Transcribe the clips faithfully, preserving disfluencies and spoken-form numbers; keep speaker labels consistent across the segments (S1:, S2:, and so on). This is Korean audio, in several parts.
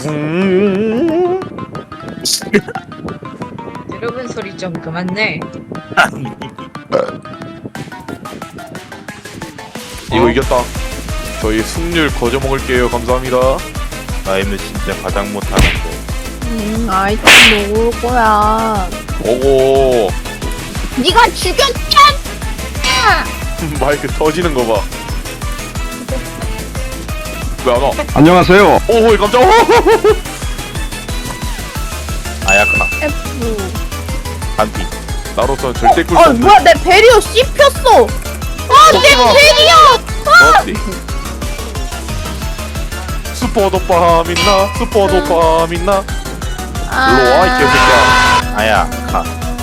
S1: 음.
S2: 여러분 소리 좀 그만 내.
S1: 이거 이겼다. 저희 승률 거저 먹을게요. 감사합니다.
S3: 나이는 진짜 가장 못하는데.
S4: 음, 아이템 먹을 거야.
S1: 오고.
S4: 네가 죽였잖아.
S1: 마이크 터지는 거 봐. 왜 안 와?
S5: 안녕하세요.
S1: 오호 깜짝.
S3: 아야카
S4: F.
S3: 반피.
S1: 나로서는 절대 꿀수
S4: 아,
S1: 없는.
S4: 뭐야, 내 베리어 씹혔어. 아, 내
S1: 먹지 마.
S4: 베리어.
S1: 먹지. 슈퍼 도파민 나 슈퍼 도파민 나. 일로 와 이 개새끼야.
S3: 아야카.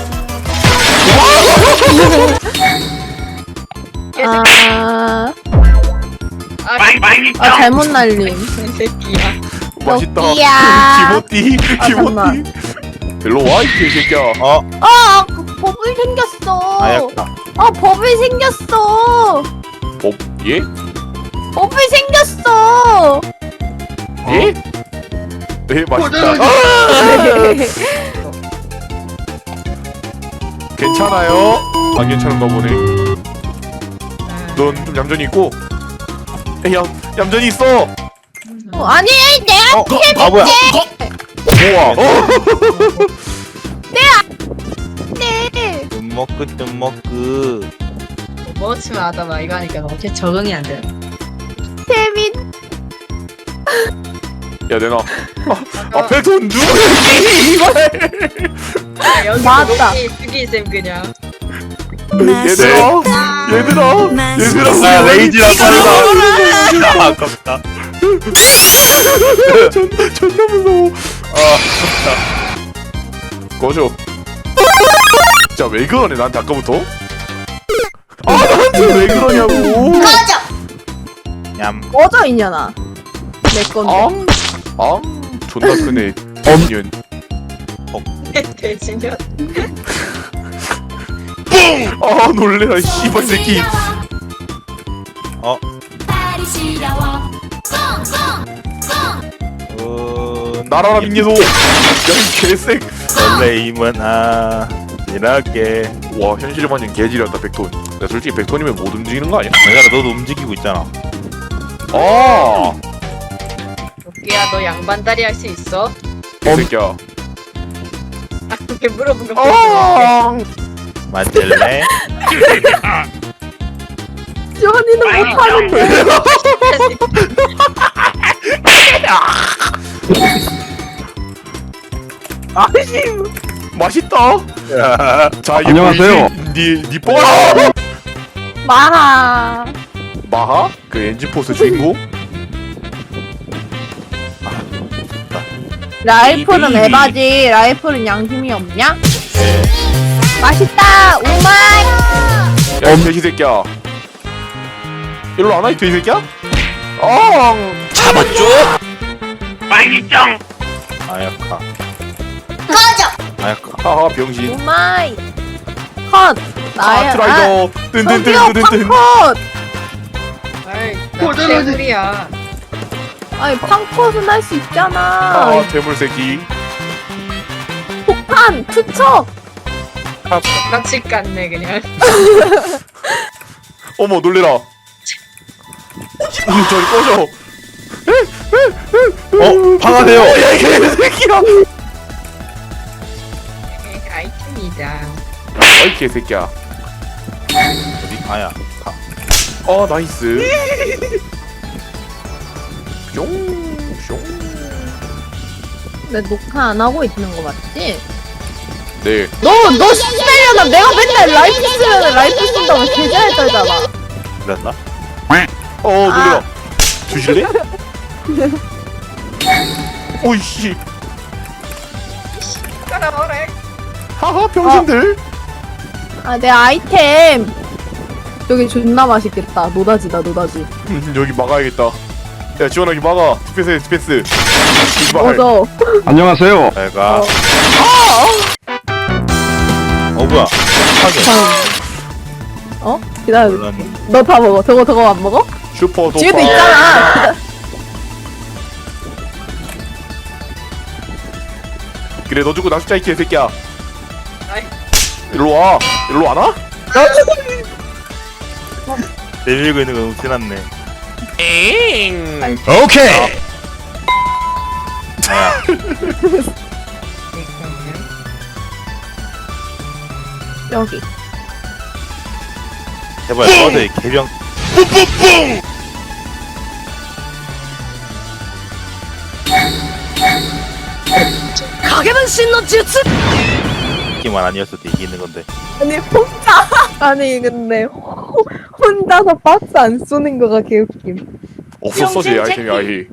S4: 아,
S2: 아,
S4: 아 잘못 날림.
S2: 이 새끼야.
S1: 맛있다.
S4: 여기야.
S1: 기모띠
S4: 아, 잠깐만.
S1: 기모띠. 일로 와 이 개새끼야.
S3: 어
S4: 아, 그 버블 생겼어.
S3: 아야카.
S4: 아, 버블 생겼어.
S1: 어 예?
S4: 버블 생겼어.
S1: 예? 네 맛있다. 아! 괜찮아요? 안 괜찮은가 보네. 넌 좀 얌전히 있고. 야 얌전히 있어.
S4: 어, 아니, 내가
S3: 어? 아 뭐야?
S1: 좋아. 어?
S4: 네.
S3: 뜸먹크 뜸먹크.
S2: 뭐 치면 하다봐 이거 하니까 너무 개 적응이 안 돼.
S4: 재밌.
S1: 야 내놔. 아, 앞에 돈 누구야? 이걸.
S2: 아, 여기
S4: 맞다.
S2: 녹이 쓰기 쌤 그냥.
S1: 얘들아, 얘들아, 얘들아.
S3: 아 레이지랑 빠르다. 아 아깝다.
S1: 존나 존나 무서워.
S3: 아
S1: 꺼져. 진짜 왜 그러네 나한테 아까부터? 아 나한테 왜 그러냐고.
S3: 얌.
S4: 꺼져 있냐나. 내 건데.
S1: 앙, 앙, 존나 크네. 엄년.
S2: 대신년.
S1: 아 놀래라 씨발 새끼.
S3: 어. 어.
S1: 날아라 민예소. 야이 개색.
S3: 설레임은 아 이렇게.
S1: 와 현실 반영 개지렸다 백톤. 야 솔직히 백톤이면 못 움직이는 거 아니야?
S3: 내가 너도 움직이고 있잖아.
S1: 아,
S2: 도끼야 너 양반다리 할 수 있어?
S1: 개새끼야.
S2: 아 그렇게 물어본 거.
S1: 아,
S3: 만질래?
S4: 지원이는 못하는데.
S1: 아이씨, 맛있다. 자 이게
S5: 안녕하세요.
S1: 보이지? 니, 니 뽀라.
S4: 마하.
S1: 마하? 그 엔진포스 주인공?
S4: 라이플은
S3: 이비.
S4: 에바지. 라이플은 양심이 없냐?
S3: 네.
S4: 맛있다. 오마이.
S1: 야, 이 돼지 새끼야. 일로 안 와, 이 돼지 새끼야? 아,
S3: 잡았죠? 빨리짱. 아야카. 아야카.
S1: 하하, 병신.
S4: 오마이. 컷. 나야.
S1: 카트라이더.
S4: 저기요,
S1: 뜬뜬뜬뜬뜬.
S4: 팡컷.
S2: 아이 나 개구리야.
S4: 아니, 팡컷은 할 수 있잖아.
S1: 아, 괴물 새끼.
S4: 폭탄, 투척.
S2: 똑같이 깠네 그냥.
S1: 어머, 놀래라. 음, 저리 꺼져.
S3: 어 방아세요.
S1: 야, 이 개새끼야.
S2: 아이템이다.
S1: 어이, 개새끼야.
S3: 어디? 아야카.
S1: 어, 나이스. 뿅, 뿅.
S4: 내 녹화 안 하고 있는 거 맞지?
S1: 네.
S4: 너, 너 씨발려나 내가 맨날 라이프 쓰면 라이프 쓴다고 개잘 떨잖아.
S3: 그랬나?
S1: 어, 놀래라.
S4: 아.
S1: 주실래? 오이씨.
S2: 까라오래.
S1: 하하, 병신들.
S4: 아, 내 아이템. 여기 존나 맛있겠다. 노다지다, 노다지.
S1: 음, 여기 막아야겠다. 야, 지원아, 여기 막아. 디펜스, 디펜스. 이발.
S4: 맞아.
S5: 안녕하세요.
S3: 내가.
S4: 어.
S3: 어 뭐야? 하게.
S4: 어? 기다려.
S3: 몰랐네.
S4: 너 다 먹어. 저거, 저거 안 먹어?
S1: 슈퍼 도파.
S4: 뒤에도 있잖아.
S1: 그래 너 죽고 나 죽자 이 개새끼야.
S2: 아이.
S1: 일로 와. 일로 안 와?
S3: 내밀고 있는 건 웃지났네.
S1: 오케이.
S3: 아야.
S4: 여기.
S3: 제발 꺼져 이 개병.
S4: 가게는 신노 주츠.
S3: 기만 아니었어도 이기는 건데.
S4: 아니 혼자. 아니 근데 호- 혼자서 박스 안 쏘는 거가 개웃김.
S1: 없었어 제 아이템이 아예.